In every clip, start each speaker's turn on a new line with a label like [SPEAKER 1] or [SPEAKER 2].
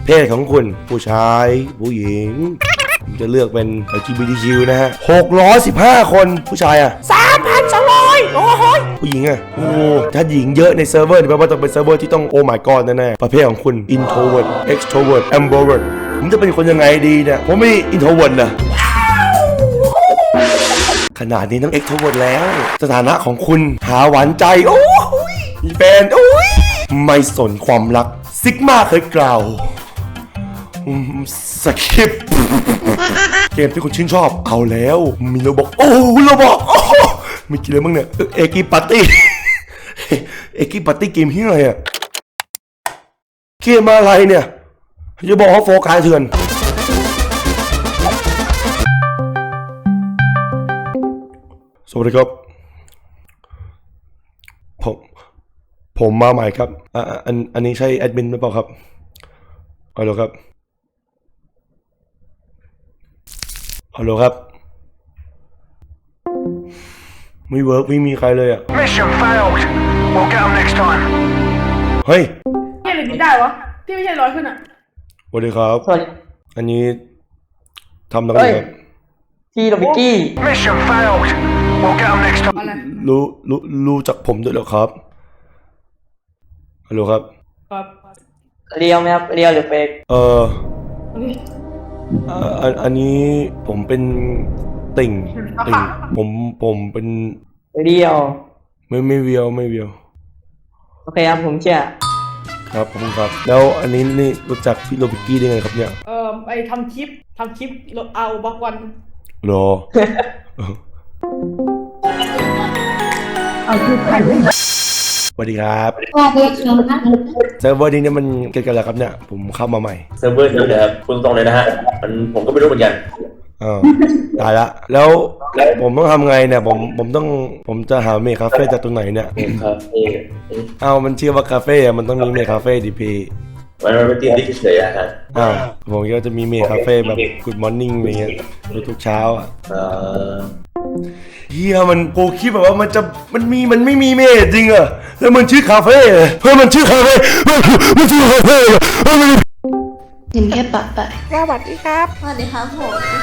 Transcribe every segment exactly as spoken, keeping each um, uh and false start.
[SPEAKER 1] เพศของคุณผู้ชายผู้หญิงผมจะเลือกเป็น แอล จี บี ที คิว นะฮะหกร้อยสิบห้าคนผู้ชายอ่ะ
[SPEAKER 2] สามพันสองร้อยโอ้โห
[SPEAKER 1] ผู้หญิงอ่ะโอ้ถ้าหญิงเยอะในเซิร์ฟเวอร์นี่แปลว่าต้องเป็นเซิร์ฟเวอร์ที่ต้องโอ้ my god แน่ๆประเภทของคุณ introvert extrovert ambivert ผมจะเป็นคนยังไงดีเนี่ยผมไม่ introvert นะขนาดนี้ต้อง extrovert แล้วสถานะของคุณหาหวานใจโอ้ยมีแฟนโอ้ยไม่สนความรักซิกมาเคยกล่าวสคริปต์เกมที่คุณชื่นชอบเอาแล้วมีโรบอกโอ้โรบอกโอ้มีกี่เรื่องบ้างเนี่ยเอกิปาร์ตี้เอกิปาร์ตี้เกมที่อะไรอ่ะเกมอะไรเนี่ยจะบอกว่าโฟกัสเถื่อนสวัสดีครับผมผมมาใหม่ครับอ่าอันอันนี้ใช่แอดมินหรือเปล่าครับฮัลโหลครับฮัลโหลครับไม่เวิร์กไม่มีใครเลยอ่ะ
[SPEAKER 3] Mission failed. We'll get them next time.
[SPEAKER 1] เฮ้ย
[SPEAKER 2] เฮ้ยหรือนี่ได้วะที่ไม่ใช่ร้อยขึ้นอ่ะ
[SPEAKER 1] สวัสดีครับ
[SPEAKER 4] สวัสดี
[SPEAKER 1] อันนี้ทำนักเรียนครับ
[SPEAKER 4] พี่โรบิกี้
[SPEAKER 3] Mission failed. We'll get them next time.
[SPEAKER 2] อะไร
[SPEAKER 1] รู้รู้รู้จักผมด้วยเหรอครับฮัลโหลครับ
[SPEAKER 2] ครับ
[SPEAKER 4] เรียวไหมครับเรียวหรือเฟก
[SPEAKER 1] เอออ่าอันอันนี้ผมเป็นติ่งติ่งผมผมเป็น
[SPEAKER 4] เรียว
[SPEAKER 1] ไม่ไม่เวียวไม่เวียว
[SPEAKER 4] โอเคครับผมเชื่อ
[SPEAKER 1] ครับผมครับแล้วอันนี้นี่รู้จักพี่โรบิกี้ได้ไงครับเนี่ย
[SPEAKER 2] เอ่อไอทำคลิปทำคลิปเอาบักวัน
[SPEAKER 1] รอ สวัสดีครับ
[SPEAKER 5] ว่าเด็กน้องนะ
[SPEAKER 1] เซิร์ฟเวอร์นี้เนี่ยมันเกิดกันแล้วครับเนี่ยผมเข้ามาใหม่
[SPEAKER 6] เซิร์ฟเวอร์นี้นะครับคุณตรงเลยนะฮะมันผมก็ไม่รู้เหมือนกัน
[SPEAKER 1] อ้าวตายละแล้วผมต้องทำไงเนี่ยผมผมต้องผมจะหาเมคคาเฟ่จากตรงไหนเนี่ย
[SPEAKER 6] ครับเออ
[SPEAKER 1] อ้าวมันชื่อว่าคาเฟ่อะมันต้องมีเมคคาเฟ่ดิพี
[SPEAKER 6] มันมันเป็นทีมที่เฉยๆอะฮะ
[SPEAKER 1] อ้าวผมก็จะมีเมคคาเฟ่แบบ Good Morning อะไรเงี้ยทุกๆเช้าอ่ะ
[SPEAKER 6] เอ่อ
[SPEAKER 1] เฮียมันโกคิดแบบว่ามันจะมันมีมันไม่มีเมคจริงเหรอแล้วมันชื่อคาเฟ่เหรอเฮ้ยมันชื่อคาเฟ่มันมันชื่อคาเฟ่เหรอเฮ้ยมัน
[SPEAKER 5] ถึงแค่ปะปะ
[SPEAKER 2] สวัสดีครับ
[SPEAKER 5] สวัสดีครับผม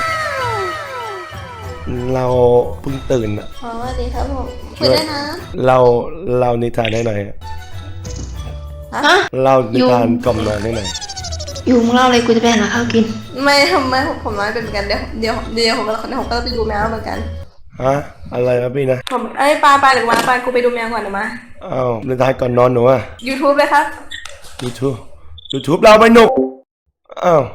[SPEAKER 1] เราเพิ่งตื่นอ่ะ
[SPEAKER 5] สวัสดีครับผมคุยได้นะ
[SPEAKER 1] เราเรานิทานได้หน่อย
[SPEAKER 5] ฮะ
[SPEAKER 1] เรานิทานกล่อมนอนได้หน่อย
[SPEAKER 5] อยู่มึงเล่าเลยกูจะไปหาข้าวกิน
[SPEAKER 7] ไม่ทำไมผมผมน้อยเป็นเหมือนกันเดี๋ยวเดี๋ยวเดี๋ยวผมก็เดี๋ยวผมก็ไปดูแมวเหมือนกัน
[SPEAKER 1] ฮะอะไรนะพี่นะ
[SPEAKER 7] ผมเอ้ยปลาปลาหรือมาปลากูไปดูแมวก่อนหรือมา
[SPEAKER 1] อ้าวนิทานก่อนนอนหนูอ่ะ
[SPEAKER 7] YouTube เลยครับ
[SPEAKER 1] YouTube YouTube เราไม่หนุกอ้าว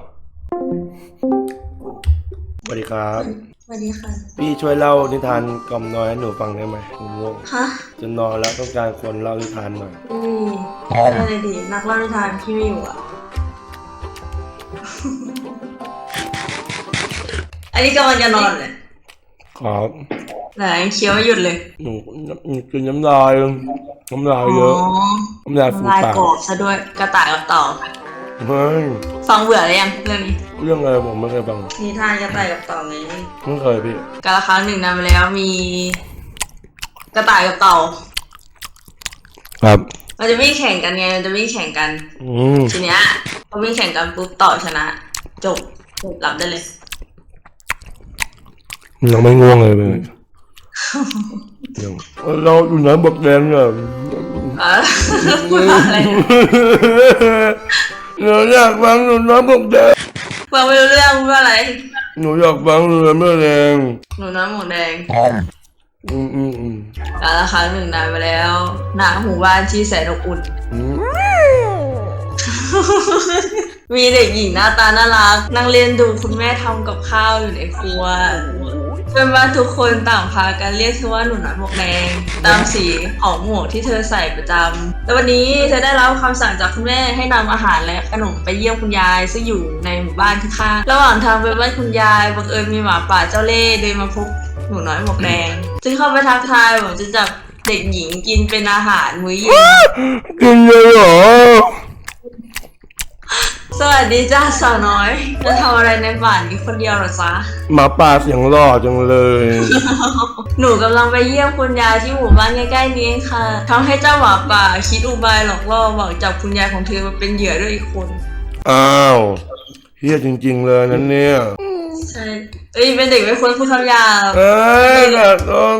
[SPEAKER 1] สวัสดีครับ
[SPEAKER 5] สวัสดีค่ะ
[SPEAKER 1] พี่ช่วยเล่านิทานกล่อมนอนให้หนูฟังได้ไหมผมง่วง
[SPEAKER 5] ฮะ
[SPEAKER 1] จะนอนแล้วต้องการคนเล่านิทานหน่อย
[SPEAKER 7] อืมอะไรดีนักเล่านิทานที่ไม่อยู่อ่ะ อันนี้กำลังจะนอนเลย
[SPEAKER 1] ครับ
[SPEAKER 7] ไหนเคี้ยวไม่หยุดเลย
[SPEAKER 1] หนูหนูกินน้ำลายน้ำลายเยอะน้ำลายฟู
[SPEAKER 7] ลาย
[SPEAKER 1] ปาก
[SPEAKER 7] กรอบซะด้วยกระต่ายกับเต่า
[SPEAKER 1] เฮ้ย
[SPEAKER 7] ฟังเบื่อหรือยังเรื่องนี้
[SPEAKER 1] เรื่องอะไรผมไม่เคยฟัง
[SPEAKER 7] นิทานกระต่ายกับเต่าไง
[SPEAKER 1] ไม่เคยพี่
[SPEAKER 7] กาละครั้งหนึ่งนานมาแล้วมี กระต่ายกับเต่า
[SPEAKER 1] ครับ
[SPEAKER 7] มันจะวิ่งแข่งกันไงมันจะวิ่งแข่งกัน
[SPEAKER 1] อืม
[SPEAKER 7] ทีเนี้ยพอวิ่งแข่งกันปุ๊บต่อชนะ จบหลับได้เลย
[SPEAKER 1] ยังไม่ง่วงเลยเลยยังเราอยู่ไหนบกแดงเนี่ย
[SPEAKER 7] เออพูดว่าอะไรเนี่ย
[SPEAKER 1] เราอยากฟังหนูน้ำบกแดง
[SPEAKER 7] ฟังไม่รู้เรื่องพูดว่าอะไร
[SPEAKER 1] หนูอยากฟังหนูน้ำบกแดง
[SPEAKER 7] หนูน้ำหมูแดง
[SPEAKER 1] อืมอืมอืม
[SPEAKER 7] กาละครั้งหนึ่งนานไปแล้วหน้าหมู่บ้านที่แสนอบอุ่น
[SPEAKER 1] อืม
[SPEAKER 7] มีเด็กหญิงหน้าตาน่ารักนั่งเล่นดูคุณแม่ทำกับข้าวอยู่ในครัวเพื่อนบ้านทุกคนต่างพากันเรียกเธอว่าหนูน้อยหมวกแดงตามสีของหมวกที่เธอใส่ประจำแต่วันนี้เธอได้รับคำสั่งจากคุณแม่ให้นำอาหารและขนมไปเยี่ยมคุณยายซึ่งอยู่ในหมู่บ้านข้างๆระหว่างทางไปบ้านคุณยายบังเอิญมีหมาป่าเจ้าเล่ห์เดินมาพบหนูน้อยหมวกแดงจึงเข้าไปทักทายบอกจะจับเด็กหญิงกินเป็นอาหารมื้อเย็น
[SPEAKER 1] กินเลยเหรอ
[SPEAKER 7] สวัสดีจ้าสาวน้อยจะทำอะไรในบ้านนี้คนเดียวเหรอจ๊ะ
[SPEAKER 1] หมาป่าเสียงหล่อจังเลย
[SPEAKER 7] หนูกำลังไปเยี่ยมคุณยายที่หมู่บ้านใกล้ๆนี้เองค่ะทำให้เจ้าหมาป่าคิดอุบายหลอกล่อหวังจับคุณยายของเธอมาเป็นเหยื่อด้วยอีกคน
[SPEAKER 1] อ้าวเฮียจริงๆเลยนั่นเนี่ย
[SPEAKER 7] ใช่เอ้ยเป็นเด็กไม่ควรพูดคำหยาบ
[SPEAKER 1] เอ้ยแบบต้อง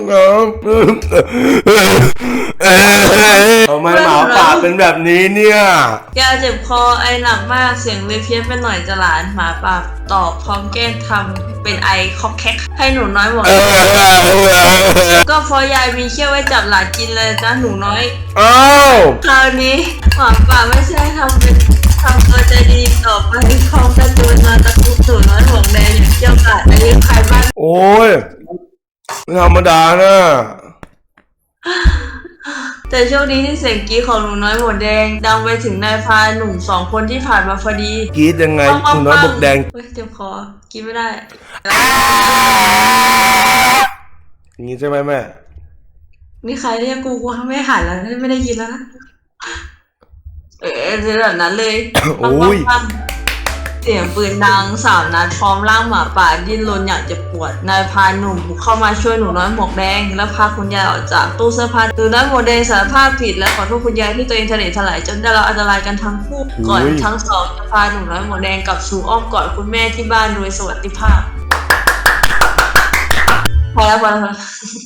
[SPEAKER 1] ทำไมหมาป่าเป็นแบบนี้เนี่ย
[SPEAKER 7] แกเจ็บคอไอหนักมากเสียงเลยเพี้ยนไปหน่อยจะหลานหมาป่าตอบพร้อมแกล้งทำเป็นไอคอกแคกให้หนูน้อยหมดก็เพอยายมีเขี้ยวไว้จับหลานกินเลยจ้าหนูน้อย
[SPEAKER 1] อ้าว
[SPEAKER 7] คราวนี้หมาป่าไม่ใช่ทำเป็นทำตัวใจดีต่อไปคลองกระตูนมาตะคุบหนูน้อยห่วงแดงอย่างเกี่ยวกับอายุใครบ้าน
[SPEAKER 1] โอ้ยไม่ธรรมดานะ
[SPEAKER 7] แต่โชคดีที่เสียงกรีดของหนูน้อยหมวกแดงดังไปถึงนายพรานหนุ่มสองคนที่ผ่านมาพอดี
[SPEAKER 1] กรีดยังไงคุณน้อยบกแดง
[SPEAKER 7] เฮ้ยเจ็บคอกินไม่ได้
[SPEAKER 1] อย่างนี้ใช่ไหมแม่
[SPEAKER 7] มีใครเรียกกูกูไม่หันแล้วไม่ได้ยินแล้วนะเออเป็นแบบนั้นเลย
[SPEAKER 1] โอ้ย
[SPEAKER 7] ปั๊มเสียงปืนดังสามนัดพร้อมร่างหมาป่าดิ้นรนอยากจะปวดนายพรานหนุ่มบุกเข้ามาช่วยหนูน้อยหมวกแดงและพาคุณยายออกจากตู้เสื้อผ้าหนูน้อยหมวกแดงสารภาพผิดและขอโทษคุณยายที่ตัวเองทะเลถลายจนได้รับอันตรายกันทั้งคู่ก่อนทั้งสองจะพาหนูน้อยหมวกแดงกลับสู่อ้อมกอดคุณแม่ที่บ้านโดยสวัสดิภาพพอแล้วพอแล้วพอแล้ว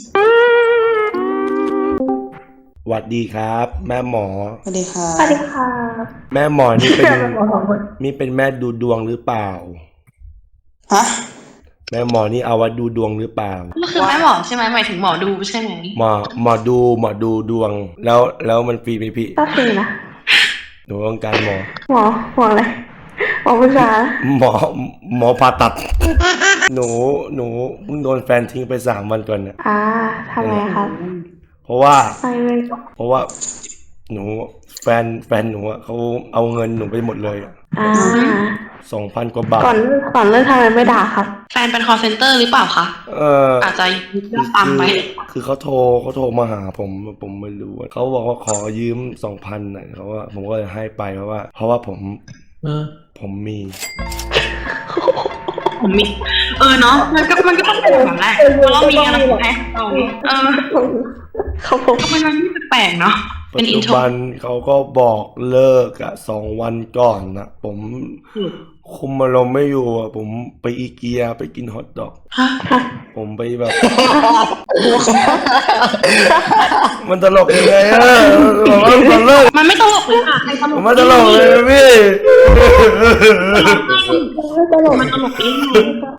[SPEAKER 1] สวัสดีครับ แม่หมอ
[SPEAKER 5] สวัสดีค่ะ
[SPEAKER 2] สวัสดีค่ะ
[SPEAKER 1] แม่หมอนี่เป็นนี่เป็นแม่ดูดวงหรือเปล่า
[SPEAKER 5] ฮะ
[SPEAKER 1] แม่หมอนี่เอาไว้ดูดวงหรือเปล่า
[SPEAKER 8] ก็คือแม่หมอใช่ไหมหมายถึงหมอดูใช่ไหม
[SPEAKER 1] หมอหมอดูหมอดูดวง แล้วแล้วมันฟรีไหมพี่
[SPEAKER 2] ก็คือนะ
[SPEAKER 1] หนูต้องการหมอ
[SPEAKER 2] หมอหมออะไรหมอผู้ชาย
[SPEAKER 1] หมอหมอผ่าตัด หนูหนูเพิ่งโดนแฟนทิ้งไปสามวันก่อนเนี่ย
[SPEAKER 2] อ่าทำไมครับ
[SPEAKER 1] เพราะว่า
[SPEAKER 2] ไม่ไม่
[SPEAKER 1] เพราะว่า หนูแฟนแฟนหนูอะเขาเอาเงินหนูไปหมดเลย
[SPEAKER 2] อ่า
[SPEAKER 1] สองพันกว่าบาท
[SPEAKER 2] ก่อนเลิกก่อนเลิกทำไมไม่ด่าครับ
[SPEAKER 8] แฟนเป็น call center หรือเปล่าคะ
[SPEAKER 1] เออ
[SPEAKER 8] อาจจะยึดยอดตามไป
[SPEAKER 1] คือเขาโทรเขาโทรมาหาผมผมไม่รู้อะเขาบอกว่าขอยืมสองพันน่ะเขาว่าผมก็เลยให้ไปเพราะว่า เพราะว่าผม
[SPEAKER 6] เออ
[SPEAKER 1] ผมมี
[SPEAKER 8] ผมมี เออเนาะมันก็มันก็ต้องเป็นแบบนั้นแหละเพราะเรามีกันแล้วไงเราเออ
[SPEAKER 2] เขาผม
[SPEAKER 8] ก็เป็นอะไรที่แปลกๆเนาะ
[SPEAKER 1] ปั
[SPEAKER 8] เป็
[SPEAKER 1] จ
[SPEAKER 8] นอิ
[SPEAKER 1] จุ
[SPEAKER 8] นโทร
[SPEAKER 1] บันเขาก็บอกเลิกอะสองวันก่อนนะผมคุมอารมณ์ไม่อยู่อะผมไปอีเกียไปกินฮอทดอก
[SPEAKER 8] ฮะ
[SPEAKER 1] ผมไปแบบ มันตลกยังไงอะบอกว่าตลก
[SPEAKER 8] มันไม่ตลกเลยค่ะใครตล
[SPEAKER 1] ผ
[SPEAKER 8] ก
[SPEAKER 1] มไม่ตลกเลยนะพี่
[SPEAKER 8] มันตลกเอง